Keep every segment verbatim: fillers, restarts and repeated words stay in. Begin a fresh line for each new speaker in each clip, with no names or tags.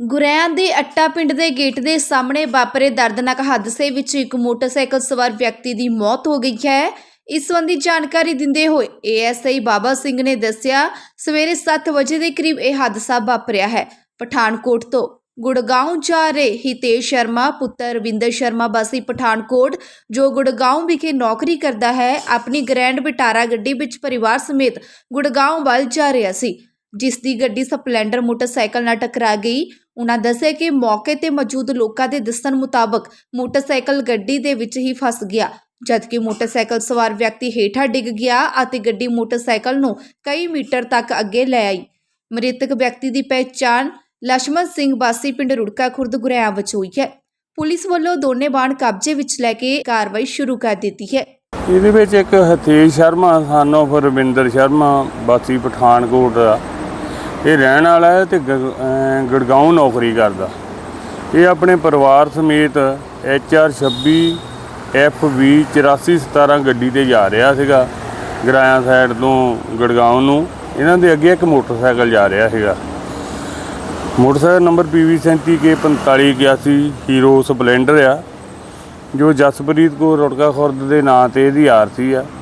ਗੁਰੇਆਂ ਦੇ ਅੱਟਾ ਪਿੰਡ ਦੇ ਗੇਟ ਦੇ ਸਾਹਮਣੇ ਵਾਪਰੇ ਦਰਦਨਾਕ ਹਾਦਸੇ ਵਿੱਚ ਇੱਕ ਮੋਟਰਸਾਈਕਲ ਸਵਾਰ ਵਿਅਕਤੀ ਦੀ ਮੌਤ ਹੋ ਗਈ ਹੈ। ਇਸ ਸੰਬੰਧੀ ਜਾਣਕਾਰੀ ਦਿੰਦੇ ਹੋਏ ਏ ਐਸ ਆਈ ਬਾਬਾ ਸਿੰਘ ਨੇ ਦੱਸਿਆ, ਸਵੇਰੇ ਸੱਤ ਵਜੇ ਦੇ ਕਰੀਬ ਇਹ ਹਾਦਸਾ ਵਾਪਰਿਆ ਹੈ। ਪਠਾਨਕੋਟ ਤੋਂ ਗੁੜਗਾਉਂ ਜਾ ਰਹੇ ਹਿਤੇਸ਼ ਸ਼ਰਮਾ ਪੁੱਤਰ ਰਵਿੰਦਰ ਸ਼ਰਮਾ ਵਾਸੀ ਪਠਾਨਕੋਟ, ਜੋ ਗੁੜਗਾਉਂ ਵਿਖੇ ਨੌਕਰੀ ਕਰਦਾ ਹੈ, ਆਪਣੀ ਗ੍ਰੈਂਡ ਵਿਟਾਰਾ ਗੱਡੀ ਵਿੱਚ ਪਰਿਵਾਰ ਸਮੇਤ ਗੁੜਗਾਉਂ ਵੱਲ ਜਾ ਰਿਹਾ ਸੀ, ਜਿਸ ਦੀ ਗੱਡੀ ਸਪਲੈਂਡਰ ਮੋਟਰਸਾਈਕਲ ਨਾਲ ਟਕਰਾ ਗਈ। ਉਨ੍ਹਾਂ ਦੱਸਿਆ ਕਿ ਮੌਕੇ ਤੇ ਮੌਜੂਦ ਲੋਕਾਂ ਦੇ ਦੱਸਣ ਮੁਤਾਬਕ ਮੋਟਰਸਾਈਕਲ ਗੱਡੀ ਦੇ ਵਿੱਚ ਹੀ ਫਸ ਗਿਆ, ਜਦਕਿ ਮੋਟਰਸਾਈਕਲ ਸਵਾਰ ਵਿਅਕਤੀ ਹੇਠਾਂ ਡਿੱਗ ਗਿਆ ਅਤੇ ਗੱਡੀ ਮੋਟਰਸਾਈਕਲ ਨੂੰ ਕਈ ਮੀਟਰ ਤੱਕ ਅੱਗੇ ਲੈ ਆਈ। ਮ੍ਰਿਤਕ ਵਿਅਕਤੀ ਦੀ ਪਹਿਚਾਣ ਲਛਮਣ ਸਿੰਘ ਵਾਸੀ ਪਿੰਡ ਰੁੜਕਾ ਖੁਰਦ ਗੁਰੇਆਂ ਵਿੱਚ ਹੋਈ ਹੈ। ਪੁਲਿਸ ਵੱਲੋਂ ਦੋਨੇ ਵਾਹਨ ਕਬਜ਼ੇ ਵਿੱਚ ਲੈ ਕੇ ਕਾਰਵਾਈ ਸ਼ੁਰੂ ਕਰ ਦਿੱਤੀ ਹੈ।
ਇਹਦੇ ਵਿੱਚ ਇੱਕ ਹਿਤੇਸ਼ ਸ਼ਰਮਾ ਸਨ ਆਫ ਰਵਿੰਦਰ ਸ਼ਰਮਾ ਵਾਸੀ ਪਠਾਨਕੋਟ ਦਾ ਇਹ ਰਹਿਣ ਵਾਲਾ ਹੈ ਤੇ ਗੁੜਗਾਉਂ ਨੌਕਰੀ ਕਰਦਾ। ਇਹ ਆਪਣੇ ਪਰਿਵਾਰ ਸਮੇਤ ਐਚ ਆਰ ਛੱਬੀ ਐਫ ਵੀ ਚੁਰਾਸੀ ਸਤਾਰਾਂ ਗੱਡੀ ਤੇ ਜਾ ਰਿਹਾ ਸੀਗਾ ਗਰਾਇਆ ਸਾਈਡ ਤੋਂ ਗੁੜਗਾਉਂ ਨੂੰ। ਇਹਨਾਂ ਦੇ ਅੱਗੇ ਇੱਕ ਮੋਟਰਸਾਈਕਲ ਜਾ ਰਿਹਾ ਸੀਗਾ। ਮੋਟਰਸਾਈਕਲ ਨੰਬਰ ਪੀ ਵੀ ਸੈਂਤੀ ਕੇ ਪੰਤਾਲੀ ਇਕਿਆਸੀ ਹੀਰੋ ਸਪਲੈਂਡਰ ਆ, ਜੋ ਜਸਪ੍ਰੀਤ ਕੌਰ ਰੁੜਕਾ ਖੁਰਦ ਦੇ ਨਾਂ ਤੇ ਇਹਦੀ ਆਰਸੀ ਆ।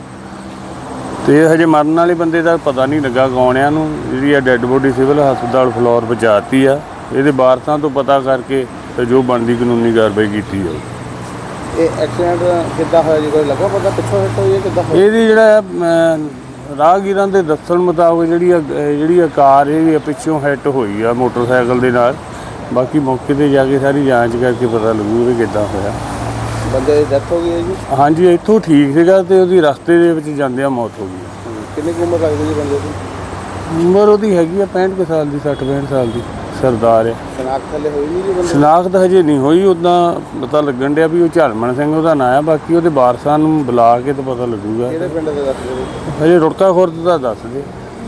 ਤੇ ਹਜੇ ਮਰਨ ਵਾਲੇ ਬੰਦੇ ਦਾ ਪਤਾ ਨਹੀਂ ਲੱਗਾ ਗਾਉਣਿਆਂ ਨੂੰ। ਜਿਹੜੀ ਆ ਡੈੱਡ ਬੋਡੀ ਸਿਵਲ ਹਸਪਤਾਲ ਫਲੋਰ ਪਹੁੰਚਾਤੀ ਆ। ਇਹਦੇ ਵਾਰਸਾਂ ਤੋਂ ਪਤਾ ਕਰਕੇ ਤੇ ਜੋ ਬਣਦੀ ਕਾਨੂੰਨੀ ਕਾਰਵਾਈ ਕੀਤੀ ਜਾਊ।
ਇਹ ਐਕਸੀਡੈਂਟ ਕਿੱਦਾਂ ਹੋਇਆ ਜੀ, ਕੋਈ ਲੱਗਾ ਪਤਾ ਪਿੱਛੋਂ ਹਿੱਟ ਹੋਈ ਹੈ ਕਿੱਦਾਂ ਹੋਈ?
ਇਹਦੀ ਜਿਹੜਾ ਰਾਹਗੀਰਾਂ ਦੇ ਦੱਸਣ ਮੁਤਾਬਕ ਜਿਹੜੀ ਆ ਜਿਹੜੀ ਆ ਕਾਰ ਇਹ ਪਿੱਛੋਂ ਹਿੱਟ ਹੋਈ ਆ ਮੋਟਰਸਾਈਕਲ ਦੇ ਨਾਲ। ਬਾਕੀ ਮੌਕੇ 'ਤੇ ਜਾ ਕੇ ਸਾਰੀ ਜਾਂਚ ਕਰਕੇ ਪਤਾ ਲੱਗੂ ਵੀ ਕਿੱਦਾਂ ਹੋਇਆ।
ਬੰਦੇ ਦੀ ਡੈਥ ਹੋ ਗਈ ਹੈ ਜੀ?
ਹਾਂਜੀ, ਇੱਥੋਂ ਠੀਕ ਸੀਗਾ ਤੇ ਉਹਦੀ ਰਸਤੇ ਦੇ ਵਿੱਚ ਜਾਂਦਿਆਂ ਮੌਤ ਹੋ ਗਈ।
ਕਿੰਨੀ ਕੁ ਉਮਰ ਲੱਗਦੀ ਜੀ ਬੰਦੇ ਦੀ?
ਉਮਰ ਉਹਦੀ ਹੈਗੀ ਆ ਪੈਂਹਠ ਕੁ ਸਾਲ ਦੀ, ਸੱਠ ਪੈਂਹਠ ਸਾਲ ਦੀ। ਸਰਦਾਰ ਹੈ।
ਸ਼ਨਾਖਤ ਹਲੇ ਹੋਈ ਨਹੀਂ ਜੀ ਬੰਦੇ?
ਸ਼ਨਾਖਤ ਹਜੇ ਨਹੀਂ ਹੋਈ। ਉੱਦਾਂ ਪਤਾ ਲੱਗਣ ਡਿਆ ਵੀ ਉਹ ਝਲਮਣ ਸਿੰਘ ਉਹਦਾ ਨਾਂ ਆ। ਬਾਕੀ ਉਹਦੇ ਵਾਰਸਾਂ ਨੂੰ ਬੁਲਾ ਕੇ ਤਾਂ ਪਤਾ ਲੱਗੂਗਾ।
ਕਿਹੜੇ ਪਿੰਡ ਦੇ ਦੱਸ ਦਿਓ?
ਹਜੇ ਰੁੜਕਾ ਖੁਰਦ ਦਾ ਦੱਸ ਦੇ।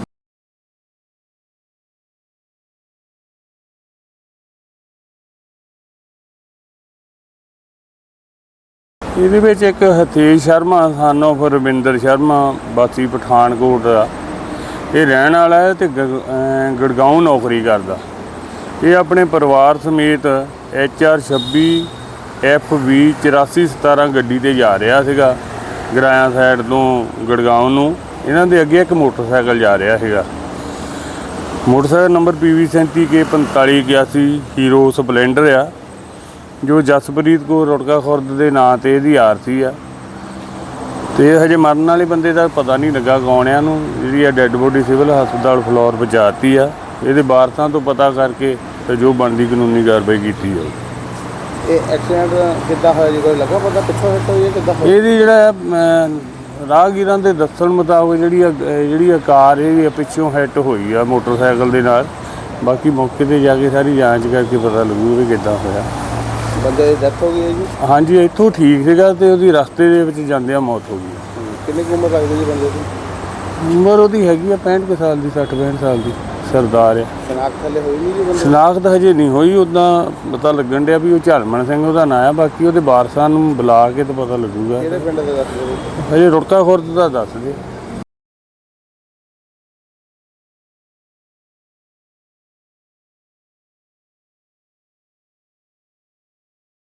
ਇਹਦੇ ਵਿੱਚ ਇੱਕ ਹਿਤੇਸ਼ ਸ਼ਰਮਾ ਸਨ ਆਫ ਰਵਿੰਦਰ ਸ਼ਰਮਾ ਵਾਸੀ ਪਠਾਨਕੋਟ ਦਾ ਇਹ ਰਹਿਣ ਵਾਲਾ ਹੈ ਤੇ ਗੁੜਗਾਉਂ ਨੌਕਰੀ ਕਰਦਾ। ਇਹ ਆਪਣੇ ਪਰਿਵਾਰ ਸਮੇਤ ਐਚ ਆਰ ਛੱਬੀ ਐਫ ਵੀ ਚੁਰਾਸੀ ਸਤਾਰਾਂ ਗੱਡੀ ਤੇ ਜਾ ਰਿਹਾ ਸੀਗਾ ਗਰਾਇਆ ਸਾਈਡ ਤੋਂ ਗੁੜਗਾਉਂ ਨੂੰ। ਇਹਨਾਂ ਦੇ ਅੱਗੇ ਇੱਕ ਮੋਟਰਸਾਈਕਲ ਜਾ ਰਿਹਾ ਸੀਗਾ। ਮੋਟਰਸਾਈਕਲ ਨੰਬਰ ਪੀ ਵੀ ਸੈਂਤੀ ਕੇ ਪੰਤਾਲੀ ਇਕਿਆਸੀ ਹੀਰੋ ਸਪਲੈਂਡਰ ਆ, ਜੋ ਜਸਪ੍ਰੀਤ ਕੌਰ ਰੁੜਕਾ ਖੁਰਦ ਦੇ ਨਾਂ ਤੇ ਇਹਦੀ ਆਰਸੀ ਆ। ਤੇ ਹਜੇ ਮਰਨ ਵਾਲੇ ਬੰਦੇ ਦਾ ਪਤਾ ਨਹੀਂ ਲੱਗਾ ਗਾਉਣਿਆਂ ਨੂੰ। ਜਿਹੜੀ ਆ ਡੈੱਡ ਬੋਡੀ ਸਿਵਲ ਹਸਪਤਾਲ ਫਲੋਰ ਪਹੁੰਚਾਤੀ ਆ। ਇਹਦੇ ਵਾਰਸਾਂ ਤੋਂ ਪਤਾ ਕਰਕੇ ਤੇ ਜੋ ਬਣਦੀ ਕਾਨੂੰਨੀ ਕਾਰਵਾਈ ਕੀਤੀ ਜਾਊ।
ਇਹ ਐਕਸੀਡੈਂਟ ਕਿੱਦਾਂ ਹੋਇਆ ਜੀ, ਕੋਈ ਲੱਗਾ ਪਤਾ ਪਿੱਛੋਂ ਹਿੱਟ ਹੋਈ ਹੈ ਕਿੱਦਾਂ ਹੋਈ?
ਇਹਦੀ ਜਿਹੜਾ ਰਾਹਗੀਰਾਂ ਦੇ ਦੱਸਣ ਮੁਤਾਬਕ ਜਿਹੜੀ ਆ ਜਿਹੜੀ ਆ ਕਾਰ ਇਹ ਪਿੱਛੋਂ ਹਿੱਟ ਹੋਈ ਆ ਮੋਟਰਸਾਈਕਲ ਦੇ ਨਾਲ। ਬਾਕੀ ਮੌਕੇ 'ਤੇ ਜਾ ਕੇ ਸਾਰੀ ਜਾਂਚ ਕਰਕੇ ਪਤਾ ਲੱਗੂ ਵੀ ਕਿੱਦਾਂ ਹੋਇਆ।
ਬੰਦੇ ਦੀ ਡੈਥ ਹੋ ਗਈ ਹੈ ਜੀ?
ਹਾਂਜੀ, ਇੱਥੋਂ ਠੀਕ ਸੀਗਾ ਤੇ ਉਹਦੀ ਰਸਤੇ ਦੇ ਵਿੱਚ ਜਾਂਦਿਆਂ ਮੌਤ ਹੋ ਗਈ।
ਕਿੰਨੀ ਕੁ ਉਮਰ ਲੱਗਦੀ ਜੀ ਬੰਦੇ ਦੀ?
ਉਮਰ ਉਹਦੀ ਹੈਗੀ ਆ ਪੈਂਹਠ ਕੁ ਸਾਲ ਦੀ, ਸੱਠ ਪੈਂਹਠ ਸਾਲ ਦੀ। ਸਰਦਾਰ ਹੈ।
ਸ਼ਨਾਖਤ ਹਲੇ ਹੋਈ ਨਹੀਂ ਜੀ ਬੰਦੇ?
ਸ਼ਨਾਖਤ ਹਜੇ ਨਹੀਂ ਹੋਈ। ਉੱਦਾਂ ਪਤਾ ਲੱਗਣ ਡਿਆ ਵੀ ਉਹ ਝਲਮਣ ਸਿੰਘ ਉਹਦਾ ਨਾਂ ਆ। ਬਾਕੀ ਉਹਦੇ ਵਾਰਸਾਂ ਨੂੰ ਬੁਲਾ ਕੇ ਤਾਂ ਪਤਾ ਲੱਗੂਗਾ।
ਕਿਹੜੇ ਪਿੰਡ ਦੇ ਦੱਸ ਦਿਓ?
ਹਜੇ ਰੁੜਕਾ ਖੁਰਦ ਦਾ ਦੱਸ ਦੇ।